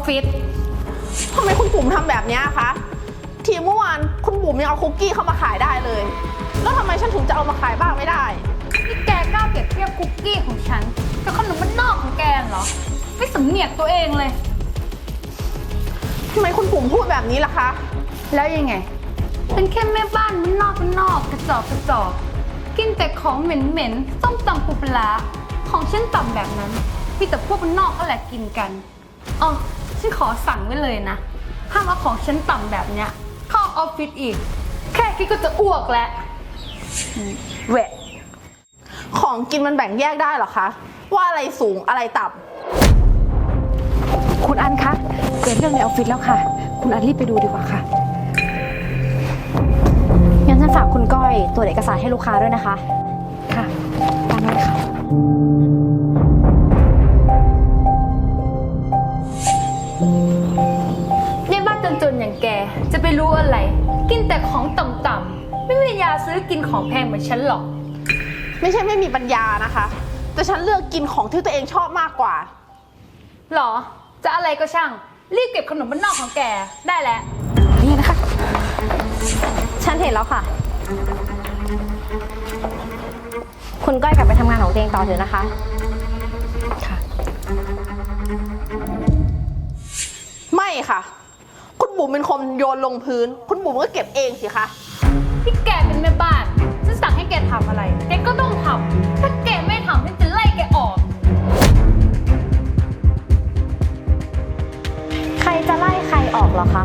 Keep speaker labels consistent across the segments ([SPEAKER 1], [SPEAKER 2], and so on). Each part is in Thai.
[SPEAKER 1] ฟิศ
[SPEAKER 2] ทำไมคุณบุ๋มทำแบบนี้คะทีเมื่อวานคุณบุ๋มยังเอาคุกกี้เข้ามาขายได้เลยแล้วทำไมฉันถึงจะเอามาขายบ้างไม่ได้
[SPEAKER 1] นี่แกกล้าเปรียบเทียบคุกกี้ของฉันกับขนมบ้านนอกของแกเหรอไม่สำเนียกตัวเองเลย
[SPEAKER 2] ทำไมคุณบุ๋มพูดแบบนี้ล่ะคะ
[SPEAKER 1] แล้วยังไงเป็นแค่แม่บ้านบ้านนอกกระจอกกินแต่ของเหม็นส้มตำปูปลาของฉันต่ำแบบนั้นมีแต่พวกบ้านนอกก็แหละกินกันอ๋อฉันขอสั่งไว้เลยนะห้ามเอาของฉันต่ำแบบเนี้ยเข้าออฟฟิศอีกแค่คิดก็จะอ้วกแล้ว
[SPEAKER 2] แหวะของกินมันแบ่งแยกได้เหรอคะว่าอะไรสูงอะไรต่
[SPEAKER 3] ำคุณอันคะเกิดเรื่องในออฟฟิศแล้วค่ะคุณอันรีบไปดูดีกว่าค่ะ
[SPEAKER 4] งั้นฉันฝากคุณก้อยตรวจเอกสารให้ลูกค้าด้วยนะคะ
[SPEAKER 3] ค่ะตามนั้นค่ะ
[SPEAKER 1] ในบ้านจนๆอย่างแกจะไปรู้อะไรกินแต่ของต่ำๆไม่มีปัญญาซื้อกินของแพงเหมือนฉันหรอก
[SPEAKER 2] ไม่ใช่ไม่มีปัญญานะคะแต่ฉันเลือกกินของที่ตัวเองชอบมากกว่า
[SPEAKER 1] หรอจะอะไรก็ช่างรีบเก็บขนมบ้านนอกของแกได้แล้ว
[SPEAKER 3] นี่นะคะ
[SPEAKER 4] ฉันเห็นแล้วค่ะคุณก้อยกลับไปทำงานของตัวเองต่อเถอะนะคะ
[SPEAKER 3] ค่ะ
[SPEAKER 2] ไม่ค่ะคุณบุ๋มเป็นคนโยนลงพื้นคุณบุ๋มก็เก็บเองสิคะ
[SPEAKER 1] ที่แกเป็นแม่บ้านฉันสั่งให้แกทำอะไรแกก็ต้องทำถ้าแกไม่ทำฉันจะไล่แกออก
[SPEAKER 4] ใครจะไล่ใครออกเหรอคะ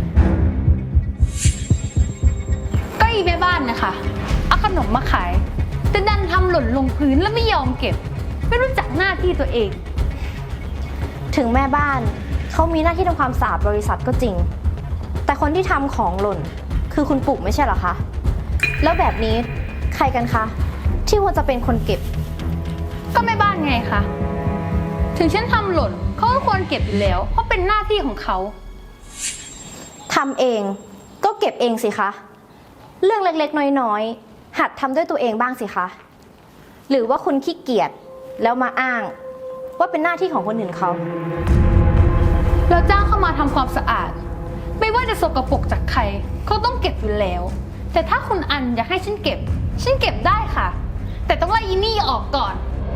[SPEAKER 1] ก็อีแม่บ้านนะคะเอาขนมมาขายแต่ดันทำหล่นลงพื้นแล้วไม่ยอมเก็บไม่รู้จักหน้าที่ตัวเอง
[SPEAKER 4] ถึงแม่บ้านเขามีหน้าที่ทำความสะอาดบริษัทก็จริงแต่คนที่ทำของหล่นคือคุณปู่ไม่ใช่เหรอคะแล้วแบบนี้ใครกันคะที่ควรจะเป็นคนเก็บ
[SPEAKER 1] ก็แม่บ้านไงคะถึงฉันทำหล่นเขาก็ควรเก็บอยู่แล้วเพราะเป็นหน้าที่ของเขา
[SPEAKER 4] ทำเองก็เก็บเองสิคะเรื่องเล็กๆน้อยๆหัดทำด้วยตัวเองบ้างสิคะหรือว่าคุณขี้เกียจแล้วมาอ้างว่าเป็นหน้าที่ของคนอื่นเขา
[SPEAKER 1] เราจ้างเข้ามาทำความสะอาดไม่ว่าจะสกปรกจากใครเขาต้องเก็บอยู่แล้วแต่ถ้าคุณอันอยากให้ฉันเก็บได้ค่ะแต่ต้องไล่อีนี่ออกก่อน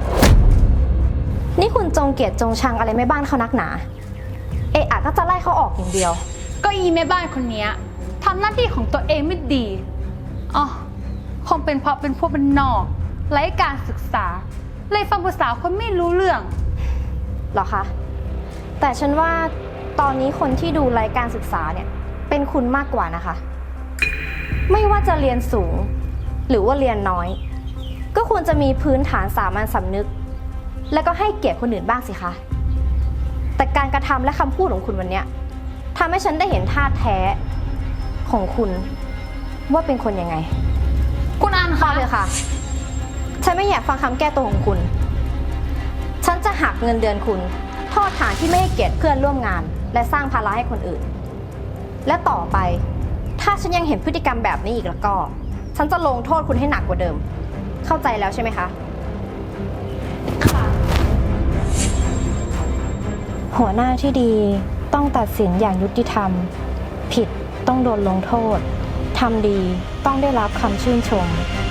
[SPEAKER 4] นี่คุณจงเกลียดจงชังอะไรแม่บ้านเขานักหนาเอะอะก็จะไล่เขาออกอย่างเดียว
[SPEAKER 1] ก็อีแม่บ้านคนนี้ทำหน้าที่ของตัวเองไม่ดีอ๋อคงเป็นเพราะเป็นพวกบ้านนอกไร้การศึกษาเลยฟังภาษาคนไม่รู้เรื่อง
[SPEAKER 4] หรอคะแต่ฉันว่าตอนนี้คนที่ดูไร้การศึกษาเนี่ยเป็นคุณมากกว่านะคะไม่ว่าจะเรียนสูงหรือว่าเรียนน้อยก็ควรจะมีพื้นฐานสามัญสำนึกแล้วก็ให้เกียรติคนอื่นบ้างสิคะแต่การกระทำและคำพูดของคุณวันนี้ทำให้ฉันได้เห็นท่าแท้ของคุณว่าเป็นคนยังไง
[SPEAKER 1] คุณอันคะ
[SPEAKER 4] เลยค่ะฉันไม่อยากฟังคำแก้ตัวของคุณฉันจะหักเงินเดือนคุณโทษฐานที่ไม่ให้เกียรติเพื่อนร่วมงานและสร้างภาระให้คนอื่นและต่อไปถ้าฉันยังเห็นพฤติกรรมแบบนี้อีกแล้วก็ฉันจะลงโทษคุณให้หนักกว่าเดิมเข้าใจแล้วใช่ไหมคะ
[SPEAKER 1] ค่ะ
[SPEAKER 4] หัวหน้าที่ดีต้องตัดสินอย่างยุติธรรมผิดต้องโดนลงโทษทำดีต้องได้รับคำชื่นชม